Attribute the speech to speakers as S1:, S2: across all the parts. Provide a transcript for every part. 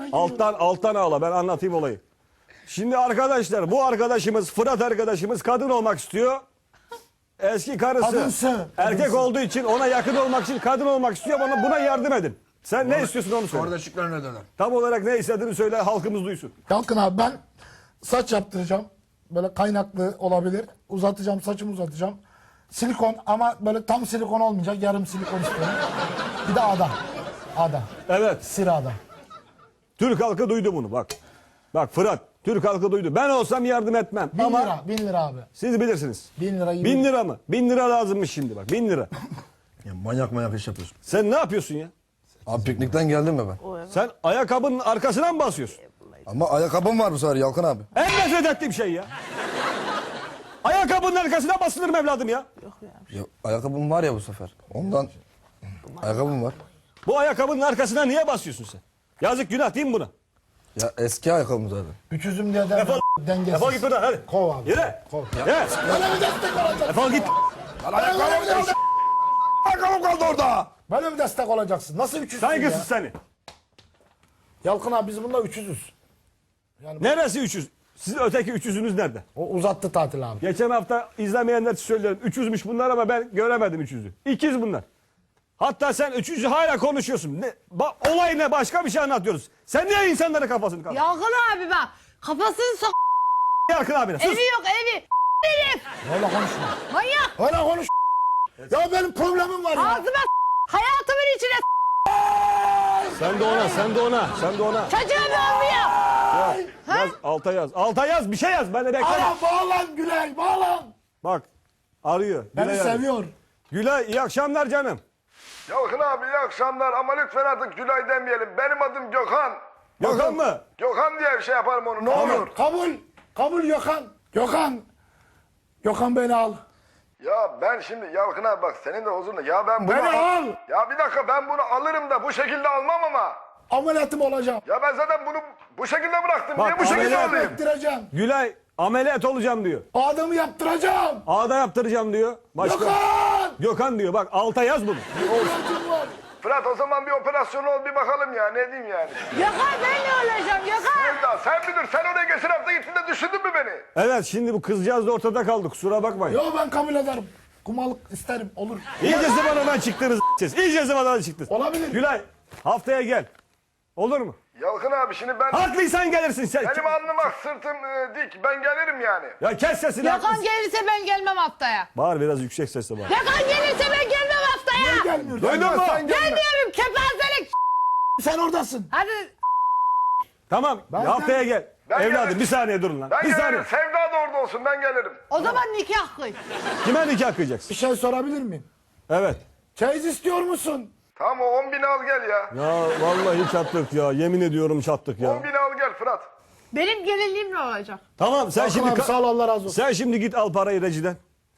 S1: altına giriyor.
S2: Alttan ağla, ben anlatayım olayı. Şimdi arkadaşlar, bu arkadaşımız, Fırat arkadaşımız kadın olmak istiyor. Eski karısı
S1: Kadınsı.
S2: erkek olduğu için, ona yakın olmak için kadın olmak istiyor. Buna yardım edin. Sen ne istiyorsun onu söyle.
S3: Kardeşliklerine döner.
S2: Tam olarak ne istediğini söyle, halkımız duysun.
S1: Yalkın abi ben saç yaptıracağım. Böyle kaynaklı olabilir. Uzatacağım, saçımı uzatacağım. Silikon ama böyle tam silikon olmayacak. Yarım silikon istiyorum. Bir de ağda. Ağda.
S2: Evet,
S1: Sira ağda.
S2: Türk halkı duydu bunu bak. Bak Fırat, Türk halkı duydu. Ben olsam yardım etmem.
S1: 1000
S2: Ama
S1: lira. 1000 lira abi.
S2: siz bilirsiniz.
S1: 1000 lira gibi.
S2: 1000 lira mı? 1000 lira lazımmış şimdi bak, 1000 lira.
S3: Ya manyak iş yapıyorsun.
S2: Sen ne yapıyorsun ya?
S3: Abi piknikten geldim mi ben?
S2: Sen ayakkabının arkasına mı basıyorsun?
S3: Ama ayakkabım var bu sefer Yalkın abi.
S2: En nefret ettiğim şey ya. Ayakkabının arkasına basılır mı evladım ya?
S3: Ya, ayakkabım var ya bu sefer. Ondan ayakkabım var.
S2: Bu ayakkabının arkasına niye basıyorsun sen? Yazık, günah değil mi buna?
S3: Ya eski ayakkabım zaten.
S1: Üçüzüm diye
S2: Defol.
S1: dengesiz.
S2: Defol git buradan hadi.
S1: Kov abi.
S2: Yürü.
S1: Kov.
S2: Gel.
S1: Böyle bir destek olacak.
S2: Defol git.
S3: Ayakkabım kaldı orada.
S1: Böyle bir destek olacaksın. Nasıl 300'sün ya?
S2: Saygısız seni.
S1: Yalkın abi biz bunda 300'üz.
S2: Neresi 300? Sizin öteki 300'ünüz nerede?
S1: O uzattı tatil abi.
S2: Geçen hafta izlemeyenler için söylüyorum. 300'müş bunlar ama ben göremedim 300'ü. İkiz bunlar. Hatta sen 300'ü hala konuşuyorsun. Olay ne? Başka bir şey anlatıyoruz. Sen niye insanların kafasını kaldırdın?
S4: Yalkın abi bak. Kafasını sok.
S2: Yarkın abine sus.
S4: Evi yok evi. Herif.
S1: Öyle konuşma.
S4: Manyak.
S1: Öyle konuş. Ya benim problemim var ya.
S4: Ağzıma hayatımın içine
S2: Sen de ona, sen de ona, sen de ona.
S4: çocuğum olmuyor.
S2: Yaz, alta yaz. Alta yaz, bir şey yaz. Ben de beklerim.
S1: Aa, bağlan Gülay bağlan.
S2: Bak, arıyor.
S1: Beni
S2: Gülay arıyor.
S1: seviyor.
S2: Gülay, iyi akşamlar canım.
S5: Yalkın abi iyi akşamlar ama lütfen artık Gülay demeyelim. Benim adım Gökhan.
S2: Gökhan mı?
S5: Gökhan diye bir şey yaparım onu ne olur.
S1: Kabul. Kabul Gökhan. Gökhan. Gökhan beni al.
S5: Ya ben şimdi Yalkın abi bak senin de huzurunda. Ya ben bunu
S1: Beni al.
S5: Ya bir dakika ben bunu alırım da bu şekilde almam ama.
S1: Ameliyatım olacağım.
S5: Ya ben zaten bunu bu şekilde bıraktım.
S2: Bak,
S5: Niye bu şekilde
S2: ameliyat
S5: alayım?
S1: Yaptıracağım.
S2: Gülay, ameliyat olacağım diyor.
S1: Adamı yaptıracağım.
S2: Ağda yaptıracağım diyor. Başka?
S1: Gökhan.
S2: Gökhan diyor. Bak, alta yaz bunu.
S1: Ameliyatım var.
S5: Fırat o zaman bir operasyon ol bir bakalım ya ne diyeyim yani.
S4: Gökhan ben ne olacağım Gökhan?
S5: Sevda sen bilir sen oraya geçen hafta gittin de düşündün mü beni?
S2: Evet, şimdi bu kızcağız da ortada kaldı. Kusura bakmayın.
S1: Yo ben kabul ederim. Kumalık isterim. Olur.
S2: İyice zıvanadan çıktınız siz. İyice zıvanadan çıktınız.
S1: Olabilir.
S2: Gülay, haftaya gel. Olur mu?
S5: Yalkın abi şimdi ben
S2: Haklıysan gelirsin sen.
S5: benim alnım ak sırtım dik ben gelirim yani.
S2: Ya kes sesini.
S4: Gökhan
S2: haklısın.
S4: gelirse ben gelmem haftaya.
S2: Bağır biraz yüksek sesle bağır.
S4: Gökhan gelirse ben gelmem haftaya.
S1: Gelmiyor.
S2: Duydun mu?
S4: Gelmiyorum kepazelik.
S1: Sen oradasın.
S4: Hadi
S2: Tamam, haftaya gel.
S5: Ben
S2: Evladım
S5: gelirim.
S2: bir saniye durun lan.
S5: Ben
S2: Bir
S5: gelirim
S2: saniye.
S5: Sevda da orada olsun ben gelirim.
S4: o zaman nikah kıy.
S2: Kime nikah kıyacaksın?
S1: Bir şey sorabilir miyim?
S2: Evet.
S1: Çeyiz istiyor musun?
S5: Tamam o 10.000 al gel ya.
S2: Ya vallahi çattık ya. Yemin ediyorum çattık ya.
S5: 10.000 al gel Fırat.
S4: Benim gelinliğim ne olacak?
S2: Tamam sen
S1: Hakan
S2: şimdi
S1: abi sağ ol Allah razı olsun.
S2: sen şimdi git al parayı Reci'den.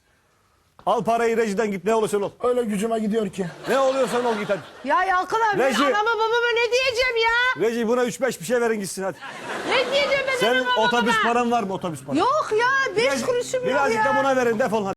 S2: Al parayı Reci'den git ne olursan ol.
S1: Öyle gücüme gidiyor ki.
S2: Ne oluyorsan ol git hadi.
S4: Ya Yalkın abi ben
S2: Reji.
S4: anama babama ne diyeceğim ya?
S2: Reci buna 3-5 bir şey verin gitsin hadi.
S4: Ne diyeceğim ben
S2: Senin
S4: anama babama?
S2: otobüs paran var mı otobüs paran?
S4: Yok ya 5 kuruşum yok
S2: Birazcık
S4: ya.
S2: da buna verin defol hadi.